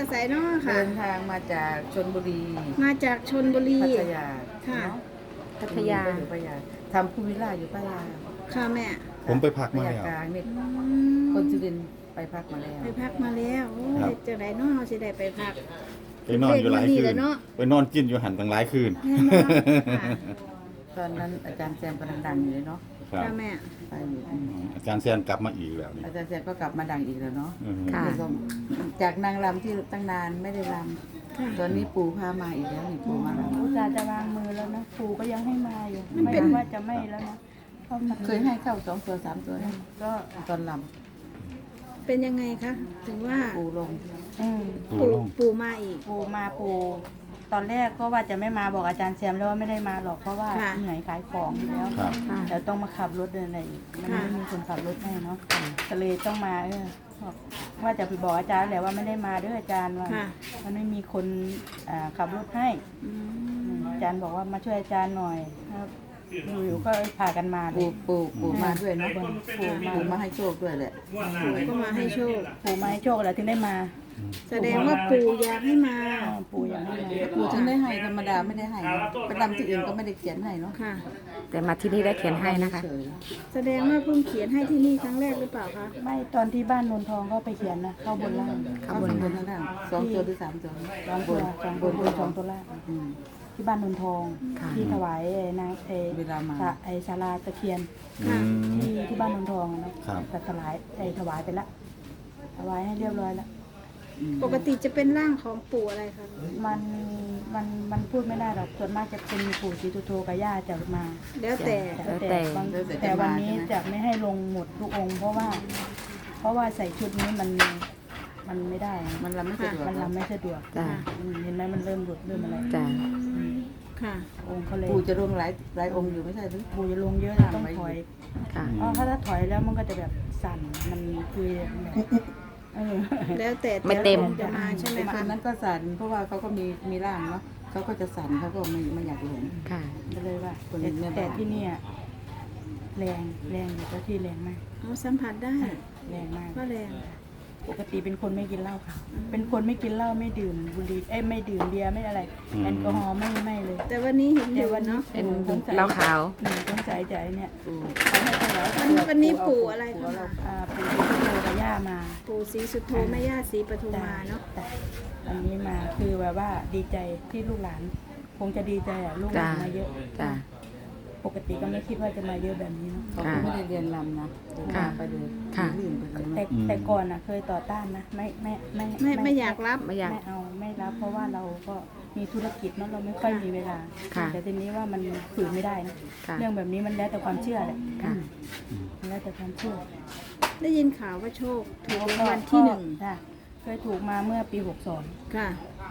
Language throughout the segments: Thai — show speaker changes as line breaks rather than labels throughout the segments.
ไสเนาะค่ะ
เดินทางมาจากชลบุรี
มาจากชลบุรี
พัทยา
ค่ะ
พัทยา
อยู่พัทยาทำภูวิลล่าอยู่พัทยา
ค่ะแม่
ผมไปพัก
พั
มา
ท
แล้
ยาว กลางนี่
อืม
คนจุรินทร์ไปพักมาแล้ว
ไปพักมาแล้วโอ้
ครั
ย
บ
จังไดเนาะเฮาสิได้ไปพัก
ไปนอนอยู่หลายคื
เล
น
ขมันนี่แหละเนาะ
ไปนอนกินอยู่หันตั้งหลายคืน
แม่เนาะค่ะ
ตอนนั้นอาจารย์แซมกำลังดังอยู่เลยเนาะ
ครับ
ค่ะแม่
ไปอยู่
อาจารย์แซนกลับมาอีกแล้วนี่
อาจารย์แซมก็กลับมาดังอีกแล้วเนาะ
อืม
ค่ะ
นี่ก็จากนางรำที่ตั้งนานไม่ได้ร
ค่ะ
ำตอนนี้ปู่พามาอีกแล้วนี่ปู่มาแล้ว
อุตส่าห์จะวางมือแล้วนะครูก็ยังให้มาอยู่
มัน
ไม่
เป็น
ว่าจะไม่แล้วนะเพราะมัน
เคยให้เข้า2 ตัว 3 ตัวนะ
ก็
ตอนร
เป็นยังไงคะถึงว่า
ำปู่ลง
อืม
ปู่ลง
ปู่มาอีก
ครูมาครูตอนแรกก็ว่าจะไม่มาบอกอาจารย์แซมแล้วว่าไม่ได้มาหรอกเพราะว่า
ค่ะ
เหนื่อยขายของอยู่แล้ว
ครับ
ค่ะ
เดี๋ยวต้องมาขับรถเดินอะไรอีกมัน
ค่ะ
ไม่มีคนขับรถให้เนาะก็เลยต้องมาบอกว่าจะไปบอกอาจารย์แหละว่าไม่ได้มาเด้ออาจารย์ว่า
ค่ะ
มันไม่มีคนขับรถให้
อืม
อาจารย์บอกว่ามาช่วยอาจารย์หน่อยครับอยู่ๆก็พากันมาเล
ปู่
ย
มาด้วยเนาะ
ปู่มา
ปู่มาให้โชคด้วยแหละ
ปู่ก็มาให้โชค
ปู่มาให้โชคแล้วถึงได้มา
แสดงว่าปู่อยากให้มา
ปู่ยังไม่มา
ปู่ถึงได้ให้ธรรมดาไม่ได้ให้เนอะไปรำที่อื่นก็ไม่ได้เขียนให้เนาะ
ค่ะ
แต่มาที่นี่ได้เขียนให้นะคะ
เฉย
แสดงว่าเพิ่งเขียนให้ที่นี่ครั้งแรกหรือเปล่าคะ
ไม่ตอนที่บ้านนนทองก็ไปเขียนนะเข้าบนล่าง
ๆเข้าบนข้างล่าง2 ตัวหรือ 3 ตัว
สองตัวสองบนบนสองตัวล่าง
อืม
ที่บ้านนนทอง
ค่ะ
ที่ถวายไอ้นาง
เวลามา
ไอ้ศาลาตะเคียน
อืม
ที่บ้านนนทองอะเนาะ
ครับ
แต่ถวายไปละถวายให้เรียบร้อยละ
ปกติจะเป็นร่างของปู่อะไรคะ
มันพูดไม่ได้หรอกส่วนมากจะเป็นปู่ศรีสุโธกับย่าจะมา
แล้วแต่
แล้วแต่
บางแต่วันนี้จะไม่ให้ลงหมดทุกองค์เพราะว่าใส่ชุดนี้มันไม่ได้
มันรำไม่สะดวก
มันรำไม่สะดวก
จ้ะ
เห็นไหมมันเริ่มหลุดเริ่มอะไร
จ้ะ
ค่ะ
องค์เขาเลย
ปู่จะลงหลายองค์อยู่ไม่ใช่หรือ
ปู่จะลงเยอะนะต้องถอย
ค่ะ
เพราะถ้าถอยแล้วมันก็จะแบบสั่นมันคือแบบเออ
แล้วแต่
ไม่เต็ม
จะมาใช่ไหม
ค
คะ
นนั้นก็สั่นเพราะว่าเขาก็มีร่างเนาะเขาก็จะสั่นเขาก็ไม่อยากหลง
ค่ะ
ก็เลยว่า
คนนี้แม่บ้าน
แต่ที่เนี่ยแรงอยู่เจ้าที่แรงมาก
เอาสัมผัสได้
แรงมาก
ว่าแรง
ปกติเป็นคนไม่กินเหล้าค่ะ เป็นคนไม่กินเหล้าไม่ดื่มบุหรี่ไม่ดื่มเบียร์ไม่อะไรแอลกอฮอล์ไม่เลย
แต่วันนี้เห็นอ
แต่
ยู่
วันนี้
เนาะ
เป็น
สงสัย
เหล้าขาว
สงสัยใจเนี่ย
ปู่
เขาให้ถวาย
วันนี้ปู่อะไรคะ
ปู่ที่โตกับย่ามา
ปู่ศรีสุโธแม่ย่าศรีปทุมมาเนาะ
แต่อันนี้มาคือแบบว่าดีใจที่ลูกหลาน คงจะดีใจอ่ะลูกหลาน
จ้ะ
มาเยอะ
จ้ะ
ปกติก็ไม่คิดว่าจะมาเยอะแบบนี้เนาะ
เขาก็ไม่ได้เรียนรำนะ
ค่ะ
ไปเลย
ค่ะ
ลื่นไปเลย
แต่
เนาะ
แต่ก่อนอ่ะเคยต่อต้านนะ
ไม่อยากรับ
ไม่อยาก
ไม่เอาไม่รับเพราะว่าเราก็มีธุรกิจเนาะเราไม่ค่อยมีเวลา
ค่ะ
แต่ทีนี้ว่ามันฝืนไม่ได้นะ
ค่ะ
เรื่องแบบนี้มันแล้วแต่ความเชื่อแหละ
ค่ะ
มันแล้วแต่ความเชื่อ
ได้ยินข่าวว่าโชคถูกรางวัลที่หนึ่ง
ค่ะเคยถูกมาเมื่อปี 62
ค่ะ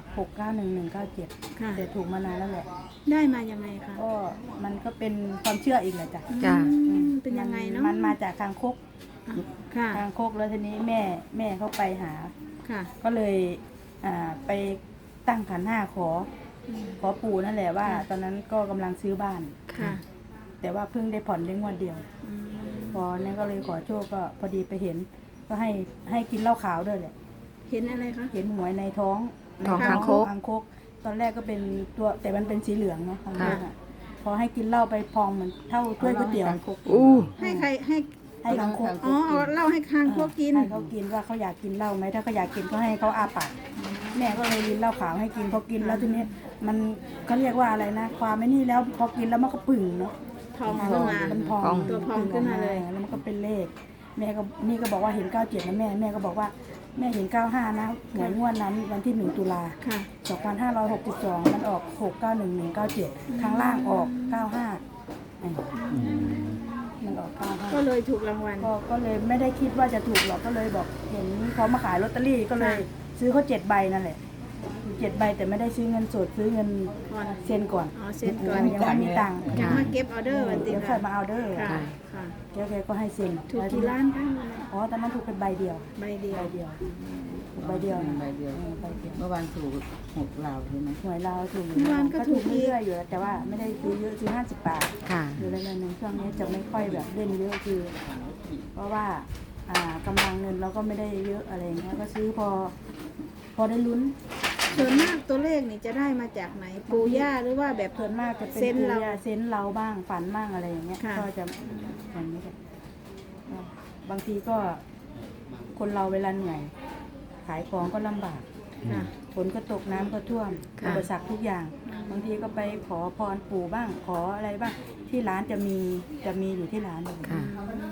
691197
ค่ะ
แต่ถูกมานานแล้วแหละ
ได้มายังไงคะ
ก็มันก็เป็นความเชื่ออีกแหละจ้ะ
จ้ะ
อืมเป็นยังไงเนาะ
มันมาจากคางคก
ค่ะ
คางคกแล้วทีนี้แม่เขาไปหา
ค่ะ
ก็เลยไปตั้งขันห้าขอปู่นั่นแหละว่า ตอนนั้นก็กำลังซื้อบ้าน
ค่ะ
แต่ว่าเพิ่งได้ผ่อนได้งวดเดียว
อืม
พอนั้นก็เลยขอโชคก็พอดีไปเห็น ก็ให้กินเหล้าขาวด้วยแหละ
เห็นอะไรคะ
เห็นหวยในท้อง
ท้องคางคก
คางคก ตอนแรกก็เป็นตัวแต่มันเป็นสีเหลืองเนาะคางคก
ค่ะ
อะพอให้กินเหล้าไปพองเหมือนเท่าถ้วยก๋วยเตี๋ยว
อู้
ให้ใครให้
ให้คางคก
อ๋อเอาเหล่าให้คางพวกกิน
ให้เขากินว่าเขาอยากกินเหล้าไหมถ้าเขาอยากกินก็ให้เขาอาปากแม่ก็เลยกินเหล้าขาวให้กินพอกินแล้วทีนี้มันเขาเรียกว่าอะไรนะ ความไม่นี่แล้วพอกินแล้วมันก็ปึ่งเนาะ
ทองขึ้นมา
มันพอง
ตัวพองขึ้นมาเลย
แล้วมันก็เป็นเลข แม่ก็นี่ก็บอกว่าเห็น97นะแม่ก็บอกว่าแม่เห็น95นะหวยงวดนั้นวันที่1ตุลา
ค่ะ
2562มันออก691197ข้างล่างออก95มันออก95
ก็เลยถูกรางวัล
ก็เลยไม่ได้คิดว่าจะถูกหรอกก็เลยบอกเห็นเขามาขายลอตเตอรี่ก็เลยซื้อเขา7 ใบนั่นแหละ7 ใบแต่ไม่ได้ซื้อเงินสดซื้อเงิน
ก่อน
เซ็นก่อน
อ๋อเซ็นก่อน
ยังไม่มีตังค์
ยังมาเก็บออเดอร์วันติ
เดี๋ยวค่อยมาเอาเด้อ
ค่ะค่ะ
แกก็ให้เซ็น
ถูกกี่ล้านคะ
อ๋อตอนนั้นถูกเป็นใบเดียว
ใบเดียว
ใบเดียวถูกใบเดียวนะ
ใบเดียว
ใบเดียว
เมื่อวานถูก6 ลาวใช่ไหม
หวยเราถูก
เมื่อวานก็ถูกอีก
เรื่อยๆอยู่แล้วแต่ว่าไม่ได้ซื้อเยอะซื้อ50 บาท
ค่ะ
อยู่แล้วในช่วงนี้จะไม่ค่อยแบบเล่นเยอะคือ เพราะว่ากำลังเงินเราก็ไม่ได้เยอะอะไรเงี้ยก็ซื้อพอพอได้ลุ้น
ส่วนมากตัวเลขนี่จะได้มาจากไหนปู่ย่าหรือว่าแบบ
ส่วนมากจะเป็น
เซนส์เรา
เซนส์เราบ้างฝันบ้างอะไรอย่างเงี้ย
ค่ะ
ก็จะอย่างนี้ค่ะบางทีก็คนเราเวลาเหนื่อยขายของก็ลำบาก
ค่ะ
ฝนก็ตกน้ำก็ท่วม
ค่ะ
อุปสรรคทุกอย่าง บางทีก็ไปขอพรปู่บ้างขออะไรบ้างที่ร้านจะมีอยู่ที่ร้านเลย
ค่ะ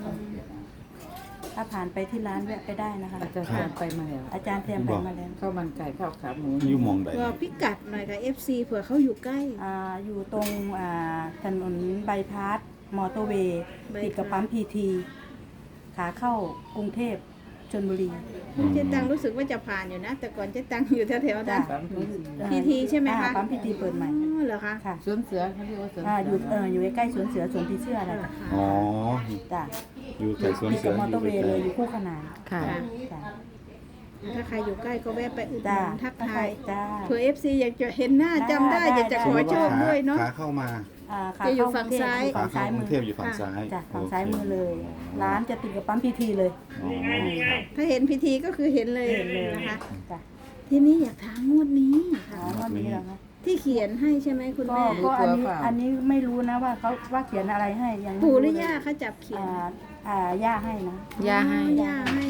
ถ้าผ่านไปที่ร้านแวะไปได้นะคะ
อาจารย์แซมไปมาแล้ว
อาจารย์เตรียมไปมาแล้ว
ข้าวมันไก่ข้าวขาหมู
อยู่หมองใด
บอกพิกัดหน่อยค่ะ FC เผื่อเขาอยู่ใกล้
อยู่ตรงถนนใบายพาสมอเตอร์เวย์
ใบพาส
ติดกับปั๊มพีทีขาเข้ากรุงเทพชลบุรี
เจ๊ตังรู้สึกว่าจะผ่านอยู่นะ แต่ก่อนเจ๊ตังอยู่แถวๆนั้น
ปั๊มพีที
พีทีใช่ไหมคะ
ปั๊มพีทีเปิดใหม่
อ๋อเหรอคะ
ค่ะ
สวนเสือเขาเรียกว่าสวน
อยู่ใกล้ๆสวนเสือสวนผีเสื้ออะไร
อ๋อ
จ้ะ
อยู่ใกล้สวน
ติด
เสื
กั
อบ
มอเตอร์เวย์เลยอยู่คู่ขนาน
ค่ะ
จ้ะ
ถ้าใครอยู่ใกล้ก็แวะไปอุดห
จ้ะ
นุนทักทาย
จ้า
เผื่อ FC อยากจะเห็นหน้าจำได้
ได้
อยากจะขอโชคด้วยเนาะ
ขาเข้ามา
ขา
จะอยู่
เข้
ฝั่งซ้าย
อยู่
ขา
ฝั่ง
เข้า
ซ้าย
กรุ
มื
ง
อ
เทพอยู่ฝั่งซ้าย
จ้ะฝั่ง
โอเค
ซ้ายมือเลย ร้านจะติดกับปั๊มพีทีเลย
อ๋อ
ถ้าเห็นพิธีก็คือเห็นเลย
เห็นเลย
นะคะ
จ้ะ
ทีนี้อยากถามงวดนี้
อ๋
ค่ะ
อวันนี้เหรอคะ
ที่เขียนให้ใช่ไหมคุณแม่
ก็อันนี้ไม่รู้นะว่าเขาว่าเขียนอะไรให้ยังไม่
ปู่ห
รู้
รือ
เล
ย่าเขาจับเขียน
ย่าให้นะ
ย่าให้
อ๋อย่าให้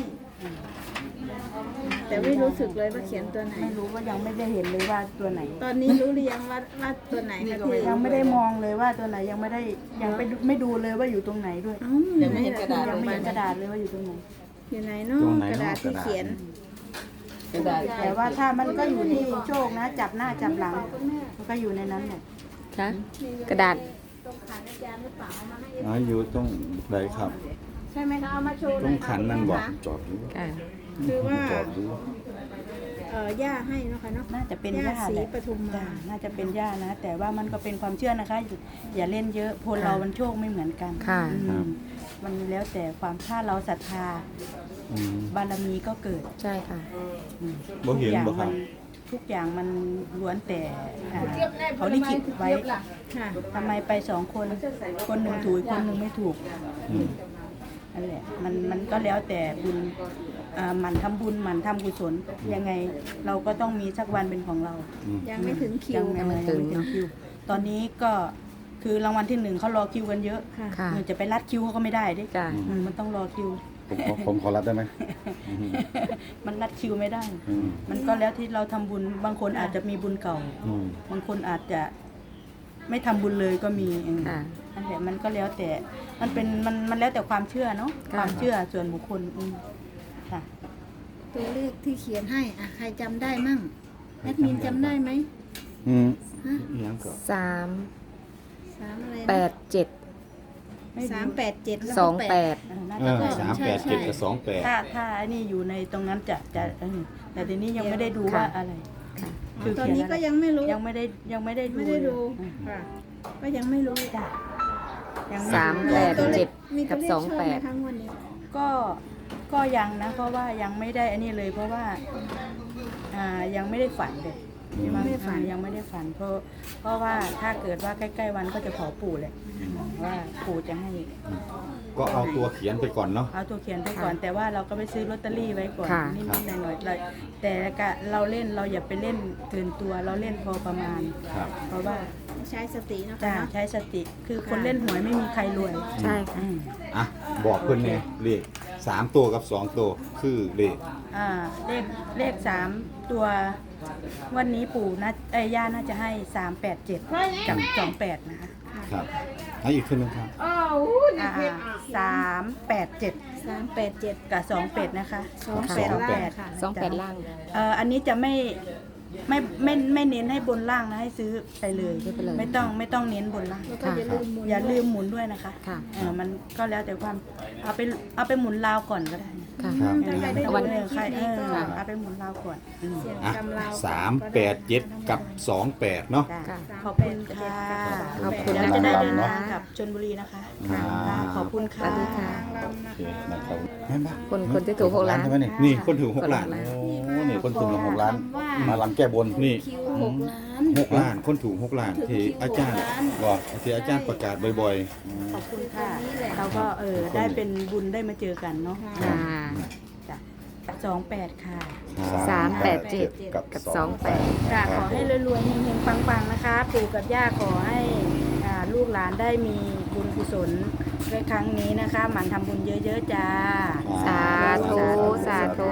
แต่ไม่รู้สึกเลยว่าเขียนตัวไหน
ไม่รู้ว่ายังไม่ได้เห็นเลยว่าตัวไหน
ตอนนี้รู้หรือยังว่าตัวไหนคะที่
ยังไม่ได้มองเลยว่าตัวไหนยังไปไม่ดูเลยว่าอยู่ตรงไหนด้วย
เอ้าอยู่ไหน
ยังไม่เห็นกระดาษเลยว่าอยู่ตรงไหน
อยู่ไหนเนาะกระดาษที่เขียน
กระดาษ
แต่ว่าถ้ามันก็อยู่ที่โชคนะ จับหน้าจับหลังมันก็อยู่ในนั้นแหละ
ค่ะ กระดาษ
ตรงขันอาจารย์หรือเปล่าเอามาให้
อ๋ออยู่ตรงไหนครับ
ใช่ไหมคะเอามาโชว์ห
ต
น่
ร
อย
งขันนั่นบอกจอดดู
ค่ะ
คือว่า
จอดดู
ย่าให้เนาะค่ะเนาะ
น่าจะเป็น
ย่า
ย่า
ศรี
แหละ
ปทุมมา
จ้ะน่าจะเป็นย่านะ แต่ว่ามันก็เป็นความเชื่อนะคะ อย่าเล่นเยอะคนเรามันโชคไม่เหมือนกัน
ค่ะ
อืมมันแล้วแต่ความถ้าเราศรัทธา
อืม
บารมีก็เกิด
ใช่ค่ะ
บ่เห็นบ่ครับ
ทุกอย่างมันล้วนแต่เขาลิขิตไว้
ค่ะ
ทำไมไปสองคน คนหนึ่งถูกอีกคนหนึ่งไม่ถูก
อืม
นั่นแหละมันก็แล้วแต่บุญหมั่นทำบุญหมั่นทำกุศลยังไงเราก็ต้องมีสักวันเป็นของเรา
อืม
ยังไม่ถึงคิว
ยังไม่ถึงคิว ตอนนี้ก็คือรางวัลที่หนึ่งเขารอคิวกันเยอะ
ค่ะ
ค่ะ
จะไปรัดคิวเขาก็ไม่ได้ดิ
จ้ะ
มันต้องรอคิว
ผมขอรับได้ไหมอืม
มันรัดคิวไม่ได้
อืม
มันก็แล้วที่เราทำบุญบางคนอาจจะมีบุญเก่า
อืม
บางคนอาจจะไม่ทำบุญเลยก็มี
ค่ะ
นั่นแหละมันก็แล้วแต่มันแล้วแต่ความเชื่อเนาะ
ค่ะ
ความเชื่อส่วนบุคคลค่ะ
ตัวเลขที่เขียนให้ใครจำได้มั่งแอดมินจำได้ไหม
อืม
ฮะ
อีหยังก็
3
3อะไรนะ
8 7
387แล้ว
ส
ก็
อง
8
แปด
น่า
เอ
จะ
อ
ใช่
387กับ28
ถ้าอันนี้อยู่ในตรงนั้นจะแต่ทีนี้ยังไม่ได้ดูว่าอะไร
ตอนนี้ก็ยังไม่รู้
ยังไม่ได้ดู
ไม่ได้ดู
อืม
ค่ะก็ยังไม่รู้
จ้ะยัง
สาม
ไรู้
แปด
ตัวล
เจ็
ข
ด
มีตัวเลข
กับ
ชอบไหม
28
คะงวันนี้
ก็ยังนะ เพราะว่ายังไม่ได้อันนี้เลย เพราะว่ายังไม่ได้ฝันเลยยังไม่ได้ฝันเพราะว่าถ้าเกิดว่าใกล้ๆวันก็จะขอปู่แหละว่าปู่จะให้
ก็เอาตัวเขียนไปก่อนเนาะ
เอาตัวเขียนไปก่อน แต่ว่าเราก็ไปซื้อลอตเตอรี่ไว้ก่อน
ค่ะ
นิดๆหน่อยๆแต่เราเล่นเราอย่าไปเล่นเกินตัวเราเล่นพอประมาณ
ครับ
เพราะว่า
ใช้สติเนาะ
จะ
คะเนาะ
ใช้สติคือคนเล่นหวยไม่มีใครรวย
ใช่ค่ะ
อ่ะบอกเพิ่นแน่เลข3ตัวกับ2ตัวคือเลข
เลข3ตัววันนี้ปู่นะย่าน่าจะให้387กับ28นะคะ
ครับให้อีกขึ้นนึงครับ
387
387
กับ28นะคะ
28ล่างค่ะ
28 ล่าง
อันนี้จะไม่เน้นให้บนล่างนะให้ซื้อไปเลย
ซื้อไปเลย
ไม่ต้องเน้นบนล่าง
แล้วก็อย่าลืมหมุน
อย่าลืมหมุนด้วยนะคะ
ค่ะ
มันก็แล้วแต่ความเอาไปหมุนลาวก่อนก็ได้
ค่ะ
ครับ
ถ้าใครได้ดู
วัน
ในคลิปนี้ก็
เอาไปหมุนลาวก่อน
เสียง
อ่ะ
กำลาว
387 กับ 28 เนาะ
จ้ะ
ค่ะ
ขอบคุณค่ะ
ขอบคุณ
เดี๋ยว
นะ
จะได้
คะ
เดินทางกลับชลบุรีนะคะ
ค่ะ
ขอบคุณค่ะ
สวัสดีค่ะ
ลำนะ
โอเค
คะ
นะครับแม่นปะ
คนที่ถูก6 ล้าน
ใช่ไหมเนี่ยนี่คนถูก6 ล้าน
คนถูก
โอ้นี่คนถูก6 ล้าน มาลำแก้บนนี่
คิว6 ล้าน
6 ล้าน คนถูก6 ล้าน ที่อาจารย์บอกที่อาจารย์ประกาศบ่อย
ขอบคุณค่ะเราก็ได้เป็นบุญได้มาเจอกันเนาะ
ค่ะ
จ้ะ
ๆ
28ค่ะ
387 กับ 28
ค่ะขอให้รวยๆเฮงๆปังๆนะคะปู่กับย่าขอให้ลูกหลานได้มีบุญกุศลในครั้งนี้นะคะหมั่นทำบุญเยอะๆจ้า
สาธุ สาธุ